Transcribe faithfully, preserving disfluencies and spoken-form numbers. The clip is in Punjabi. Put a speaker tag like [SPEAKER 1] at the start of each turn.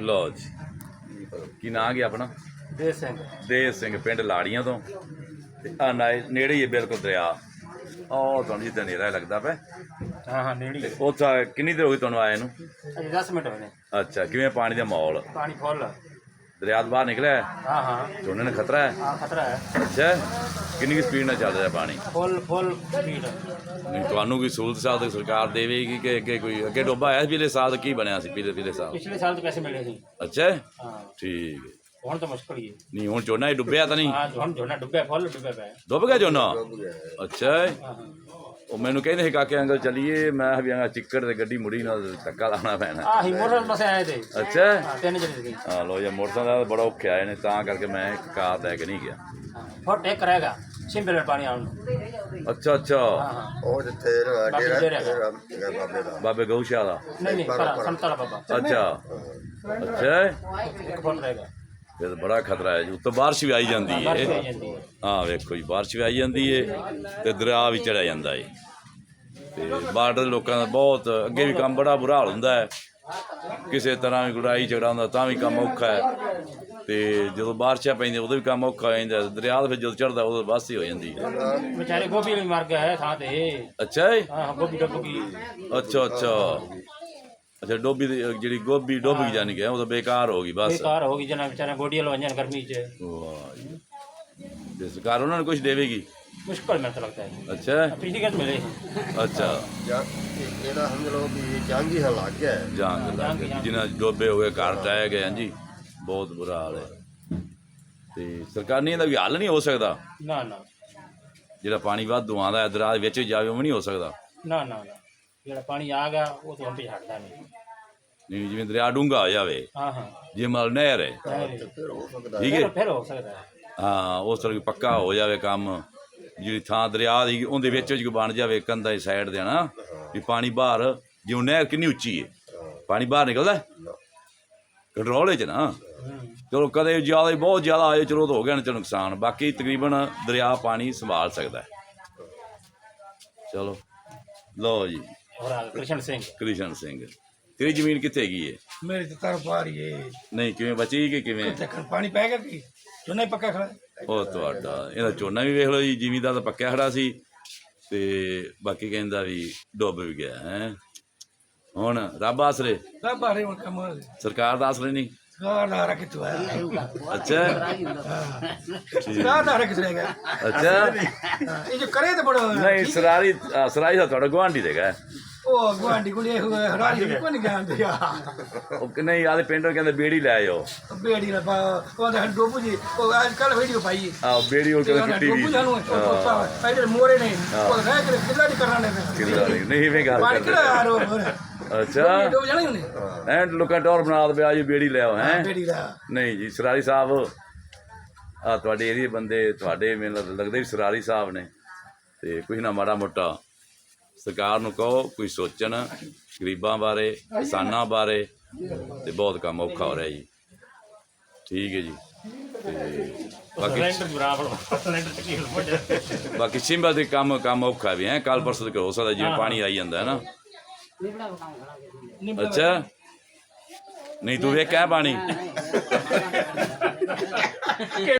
[SPEAKER 1] लो जी की ना गया अपना
[SPEAKER 2] देव सिंह
[SPEAKER 1] देव सिंह पिंड लाड़ियां तो ते आ नाए नेड़े ही है बिल्कुल दरिया ਉਹ ਤੁਹਾਨੂੰ ਜਿੱਦਾਂ ਨੇਰਾ ਲੱਗਦਾ ਪਿਆ
[SPEAKER 2] हाँ हाँ नेड़ी है
[SPEAKER 1] ਉੱਥੇ ਕਿੰਨੀ ਦੇਰ ਹੋ ਗਈ ਤੁਹਾਨੂੰ ਆਏ ਨੂੰ
[SPEAKER 2] अजे दस मिनट होने
[SPEAKER 1] ਅੱਛਾ ਕਿਵੇਂ ਪਾਣੀ ਦਾ ਮਾਹੌਲ
[SPEAKER 2] पानी फुल
[SPEAKER 1] ਦਰਿਆ ਤੋਂ ਬਾਹਰ ਨਿਕਲਿਆ
[SPEAKER 2] हाँ हाँ
[SPEAKER 1] ਝੋਨੇ ਨੂੰ ਖਤਰਾ ਹੈ
[SPEAKER 2] हाँ खतरा है
[SPEAKER 1] ਅੱਛਾ ਕਿੰਨੀ ਸਪੀਡ ਨਾਲ ਚੱਲ ਰਿਹਾ ਪਾਣੀ
[SPEAKER 2] फुल फुल स्पीड
[SPEAKER 1] ਨਹੀਂ ਤੁਹਾਨੂੰ ਕੋਈ ਸਹੂਲਤ ਸਾਲ ਸਰਕਾਰ ਦੇਵੇਗੀ ਕਿ ਅੱਗੇ ਕੋਈ ਅੱਗੇ ਡੋਬਾ ਆਇਆ ਸੀ ਪਿਛਲੇ ਸਾਲ ਕੀ ਬਣਿਆ ਸੀ ਪਿਛਲੇ ਪਿਛਲੇ ਸਾਲ
[SPEAKER 2] पिछले साल तो पैसे मिले थे
[SPEAKER 1] ਅੱਛਾ
[SPEAKER 2] हाँ
[SPEAKER 1] ਠੀਕ ਹੈ
[SPEAKER 2] ਹੁਣ ਤਾਂ ਮੁਸ਼ਕਲ ਹੀ ਹੈ
[SPEAKER 1] ਨਹੀਂ ਹੁਣ ਝੋਨਾ ਹੀ ਡੁੱਬਿਆ ਤਾਂ ਨਹੀਂ
[SPEAKER 2] ਹਾਂ ਹੁਣ ਝੋਨਾ ਡੁੱਬਿਆ ਫੁੱਲ ਡੁੱਬਿਆ ਪਿਆ
[SPEAKER 1] ਡੁੱਬ ਗਿਆ ਝੋਨਾ ਅੱਛਾ
[SPEAKER 2] ਹਾਂ ਹਾਂ
[SPEAKER 1] ਉਹ ਮੈਨੂੰ ਕਹਿੰਦੇ ਸੀ ਕਾਕੇ ਅੰਕਲ ਚੱਲੀਏ ਮੈਂ ਵੀ ਆਂਗਾ ਚਿੱਕੜ ਤੇ ਗੱਡੀ ਮੁੜੀ ਨਾਲ ਧੱਕਾ ਲਾਉਣਾ ਪੈਣਾ
[SPEAKER 2] ਆਹੀ ਮੋਟਰ ਬਸ ਆਏ ਤੇ
[SPEAKER 1] ਅੱਛਾ
[SPEAKER 2] ਹਾਂ ਤਿੰਨ ਜਣੇ ਸੀ
[SPEAKER 1] ਹਾਂ ਲੋ ਜੀ ਮੋਟਰਸਾਈਕਲ ਦਾ ਬੜਾ ਔਖਾ ਆਏ ਨੇ ਤਾਂ ਕਰਕੇ ਮੈਂ ਕਾਰ ਲੈ ਕੇ ਨਹੀਂ ਗਿਆ
[SPEAKER 2] ਫੁੱਟ ਇੱਕ ਰਹੇਗਾ ਸਿੰਬਲ ਪਾਣੀ ਆਉਣ ਨੂੰ
[SPEAKER 1] ਅੱਛਾ ਅੱਛਾ
[SPEAKER 2] ਹਾਂ ਹਾਂ
[SPEAKER 3] ਉਹ ਜਿੱਥੇ
[SPEAKER 2] ਬਾਕੀ
[SPEAKER 3] ਡੇਰਾ
[SPEAKER 2] ਡੇਰਾ
[SPEAKER 3] ਡੇਰਾ ਹੈਗਾ ਬਾਬੇ ਦਾ
[SPEAKER 1] ਬਾਬੇ ਗਊਸ਼ਾਲਾ ਦਾ
[SPEAKER 2] ਨਹੀਂ ਨਹੀਂ ਪਰ ਸੰਤਾਲਾ ਬਾਬਾ
[SPEAKER 1] ਅੱਛਾ ਅੱਛਾ
[SPEAKER 2] ਇੱਕ ਫੁੱਟ ਰਹੇਗਾ
[SPEAKER 1] ਇਹ ਤਾਂ ਬੜਾ ਖਤਰਾ ਹੈ ਜੀ ਉੱਤੋਂ ਬਾਰਿਸ਼ ਵੀ ਆਈ ਜਾਂਦੀ
[SPEAKER 2] ਬਾਰਿਸ਼
[SPEAKER 1] ਹੈ
[SPEAKER 2] ਪੈ ਜਾਂਦੀ ਹੈ
[SPEAKER 1] ਹਾਂ ਵੇਖੋ ਜੀ ਬਾਰਿਸ਼ ਵੀ ਆਈ ਜਾਂਦੀ ਹੈ ਤੇ ਦਰਿਆ ਵੀ ਚੜਿਆ ਜਾਂਦਾ ਹੈ ਤੇ ਬਾਰਡਰ ਦੇ ਲੋਕਾਂ ਦਾ ਬਹੁਤ ਅੱਗੇ ਵੀ ਕੰਮ ਬੜਾ ਬੁਰਾ ਹਾਲ ਹੁੰਦਾ ਹੈ ਕਿਸੇ ਤਰ੍ਹਾਂ ਵੀ ਲੜਾਈ ਝਗੜਾ ਹੁੰਦਾ ਤਾਂ ਵੀ ਕੰਮ ਔਖਾ ਹੈ ਤੇ ਜਦੋਂ ਬਾਰਿਸ਼ਾਂ ਪੈਂਦੀਆਂ ਉਦੋਂ ਵੀ ਕੰਮ ਔਖਾ ਹੋ ਜਾਂਦਾ ਦਰਿਆ ਦਾ ਫਿਰ ਜਦੋਂ ਚੜ੍ਹਦਾ ਉਦੋਂ ਬਸ ਹੀ ਹੋ ਜਾਂਦੀ ਹੈ
[SPEAKER 2] ਵਿਚਾਰੇ ਗੋਭੀ ਵੀ ਮਰ ਗਿਆ ਹੈ ਥਾਂ ਤੇ
[SPEAKER 1] ਅੱਛਾ ਜੀ
[SPEAKER 2] ਹਾਂ ਹਾਂ ਗੋਭੀ ਡੁੱਬ ਗਈ
[SPEAKER 1] ਅੱਛਾ ਅੱਛਾ ਅੱਛਾ ਡੋਬੀ ਦੀ ਜਿਹੜੀ ਗੋਭੀ ਡੁੱਬ ਗਈ ਜਾਣੀ ਕਿ ਉਹ ਤਾਂ ਬੇਕਾਰ ਹੋ ਗਈ ਬਸ
[SPEAKER 2] ਬੇਕਾਰ ਹੋ ਗਈ ਜਨਾ ਵਿਚਾਰੇ ਗੋਡੀਆਂ ਲਵਾਈਆਂ ਨੇ ਗਰਮੀ 'ਚ
[SPEAKER 1] ਵਾਹ ਜੀ ਤੇ ਸਰਕਾਰ ਉਹਨਾਂ ਨੂੰ ਕੁਝ ਦੇਵੇਗੀ
[SPEAKER 2] ਮੁਸ਼ਕਲ ਮੈਨੂੰ ਤਾਂ ਲੱਗਦਾ ਹੈ
[SPEAKER 1] ਅੱਛਾ
[SPEAKER 2] ਪਿਛਲੀ ਗੱਲ ਮਿਲੇ
[SPEAKER 1] ਅੱਛਾ
[SPEAKER 3] ਜਾਂ ਇਹਦਾ ਸਮਝ ਲਓ ਵੀ ਜੰਗ ਹੀ ਲੱਗ ਗਿਆ ਹੈ।
[SPEAKER 1] ਜਾਂਗ ਲੱਗ ਗਈ ਜਿਨ੍ਹਾਂ ਡੋਬੇ ਹੋ ਗਏ ਘਰ ਟਾਏ ਗਏ ਹਾਂਜੀ ਬਹੁਤ ਬੁਰਾ ਹਾਲ ਹੈ ਤੇ ਸਰਕਾਰ ਨੇ ਇਹਦਾ ਵੀ ਹੱਲ ਨਹੀਂ ਹੋ ਸਕਦਾ
[SPEAKER 2] ਨਾ ਨਾ
[SPEAKER 1] ਜਿਹੜਾ ਪਾਣੀ ਵਾਧੂ ਆਉਂਦਾ ਹੈ ਦਰਿਆ ਦੇ ਵਿੱਚ ਜਾਵੇ ਉਹ ਵੀ ਨਹੀਂ ਹੋ ਸਕਦਾ
[SPEAKER 2] ਨਾ ਨਾ ਨਾ ਜਿਹੜਾ ਪਾਣੀ ਆ ਗਿਆ ਉਹ ਤਾਂ ਹੰਪੇ ਹਟਦਾ ਨਹੀਂ
[SPEAKER 1] ਨਹੀਂ ਜਿਵੇਂ ਦਰਿਆ ਡੂੰਘਾ ਹੋ ਜਾਵੇ
[SPEAKER 2] ਹਾਂ ਹਾਂ
[SPEAKER 1] ਜੇ ਮਲ ਨਹਿਰ ਹੈ
[SPEAKER 3] ਫਿਰ ਹੋ ਸਕਦਾ
[SPEAKER 1] ਠੀਕ
[SPEAKER 2] ਫਿਰ
[SPEAKER 1] ਹੈ
[SPEAKER 2] ਫਿਰ ਹੋ ਸਕਦਾ ਹੈ
[SPEAKER 1] ਹਾਂ ਉਸ ਤਰ੍ਹਾਂ ਪੱਕਾ ਹੋ ਜਾਵੇ ਕੰਮ ਜਿਹੜੀ ਥਾਂ ਦਰਿਆ ਦੀ ਉਹਦੇ ਵਿੱਚ ਵਿੱਚ ਬਣ ਜਾਵੇ ਕੰਧਾਂ ਦੀ ਸਾਈਡ ਦੇ ਨਾ ਵੀ ਪਾਣੀ ਬਾਹਰ ਜਿਉਂ ਨਹਿਰ ਕਿੰਨੀ ਉੱਚੀ ਹੈ ਪਾਣੀ ਬਾਹਰ ਨਿਕਲਦਾ ਕੰਟਰੋਲ ਵਿੱਚ ਨਾ ਚਲੋ ਕਦੇ ਜ਼ਿਆਦਾ ਹੀ ਬਹੁਤ ਜ਼ਿਆਦਾ ਆਏ ਚਲੋ ਤਾਂ ਹੋ ਗਿਆ ਨਾ ਚਲੋ ਨੁਕਸਾਨ ਬਾਕੀ ਤਕਰੀਬਨ ਦਰਿਆ ਪਾਣੀ ਸੰਭਾਲ ਸਕਦਾ ਹੈ ਚਲੋ ਲਓ ਜੀ
[SPEAKER 2] ਹੋਰ ਆ ਕ੍ਰਿਸ਼ਨ ਸਿੰਘ
[SPEAKER 1] ਕ੍ਰਿਸ਼ਨ ਸਿੰਘ ਤੇਰੀ ਜ਼ਮੀਨ ਕਿੱਥੇ ਹੈਗੀ ਹੈ
[SPEAKER 4] मेरे तो तर पा रही है
[SPEAKER 1] ਨਹੀਂ ਕਿਵੇਂ ਬਚੀ ਕਿ ਕਿਵੇਂ
[SPEAKER 4] देखन पानी पाएगा कि जो नहीं पक्का खड़ा है।
[SPEAKER 1] ਉਹ ਤੁਹਾਡਾ ਇਹਦਾ ਝੋਨਾ ਵੀ ਵੇਖ ਲਓ ਜੀ ਜ਼ਿਮੀਂਦਾਰ ਤਾਂ ਪੱਕਿਆ ਖੜਾ ਸੀ ਤੇ ਬਾਕੀ ਕਹਿੰਦਾ ਵੀ ਡੁੱਬ ਵੀ ਗਿਆ ਹੈ ਹੁਣ ਰੱਬ ਆਸਰੇ
[SPEAKER 4] सब बारे में कम
[SPEAKER 1] ਸਰਕਾਰ ਦਾ ਆਸਰੇ ਨਹੀਂ
[SPEAKER 4] सरकार ना रखे तो है
[SPEAKER 1] ਅੱਛਾ
[SPEAKER 4] सरकार ना रखे रहेगा
[SPEAKER 1] ਅੱਛਾ
[SPEAKER 4] ये जो करे तो बड़ा
[SPEAKER 1] ਨਹੀਂ ਸਰਾਰੀ ਅ, ਸਰਾਰੀ ਦਾ ਤੁਹਾਡਾ ਗੁਆਂਢੀ ਦੇਗਾ
[SPEAKER 4] ओ गुआंढी को लिए हुए हरारी को नहीं ज्ञान दिया
[SPEAKER 1] ਉਹ ਕਿ ਨਹੀਂ ਆਦੇ ਪਿੰਡੋਂ ਕਹਿੰਦੇ ਬੇੜੀ ਲੈ ਆਓ
[SPEAKER 4] बेड़ी ना पा ओ दे डोबू जी ओ आजकल वीडियो पाई
[SPEAKER 1] ਆਹ ਬੇੜੀ ਉਹ ਕਹਿੰਦੇ ਕਿੱਟੀ ਵੀ
[SPEAKER 4] डोबू जानू ओ इधर मोरे नहीं ओ रह के किला नहीं करना नहीं
[SPEAKER 1] ਕਿੱਲਾ ਨਹੀਂ ਨਹੀਂ ਵੇ ਗੱਲ
[SPEAKER 4] पानी
[SPEAKER 1] ਕਰਦੇ
[SPEAKER 4] किला आ रो
[SPEAKER 1] ਅੱਛਾ
[SPEAKER 4] डोबू जाने नहीं
[SPEAKER 1] ਐਂ ਲੋਕਾਂ ਟੌਰ ਬਣਾ ਦੇ ਆ ਜੀ ਬੇੜੀ ਲੈ ਆਓ ਹੈ
[SPEAKER 4] बेड़ी दा
[SPEAKER 1] ਨਹੀਂ ਜੀ ਸਰਾਰੀ ਸਾਹਿਬ ਆ ਤੁਹਾਡੇ ਏਰੀਏ ਬੰਦੇ ਤੁਹਾਡੇ ਮੈਨੂੰ ਲੱਗਦੇ ਵੀ ਸਰਾਰੀ ਸਾਹਿਬ ਨੇ ਤੇ ਕੁਝ ਨਾ ਮਾੜਾ ਮੋਟਾ ਸਰਕਾਰ ਨੂੰ ਕਹੋ ਕੋਈ ਸੋਚਣ ਗਰੀਬਾਂ ਬਾਰੇ ਕਿਸਾਨਾਂ ਬਾਰੇ ਤੇ ਬਹੁਤ ਕੰਮ ਔਖਾ ਹੋ ਰਿਹਾ ਜੀ ਠੀਕ ਹੈ ਜੀ ਤੇ ਬਾਕੀ
[SPEAKER 2] ਸਿਲੰਡਰ ਬਰਾਬਰ ਸਿਲੰਡਰ ਤਕਲੀਫ ਹੋ ਜਾਂਦੀ
[SPEAKER 1] ਬਾਕੀ ਸਿੰਬਲ ਦੇ ਕੰਮ ਕੰਮ ਔਖਾ ਵੀ ਹੈ ਕੱਲ ਪਰਸੋਂ ਤੱਕ ਹੋ ਸਕਦਾ ਜਿਵੇਂ ਪਾਣੀ ਆਈ ਜਾਂਦਾ ਹੈ ਨਾ ਅੱਛਾ ਨਹੀਂ ਤੂੰ ਵੇਖਿਆ ਪਾਣੀ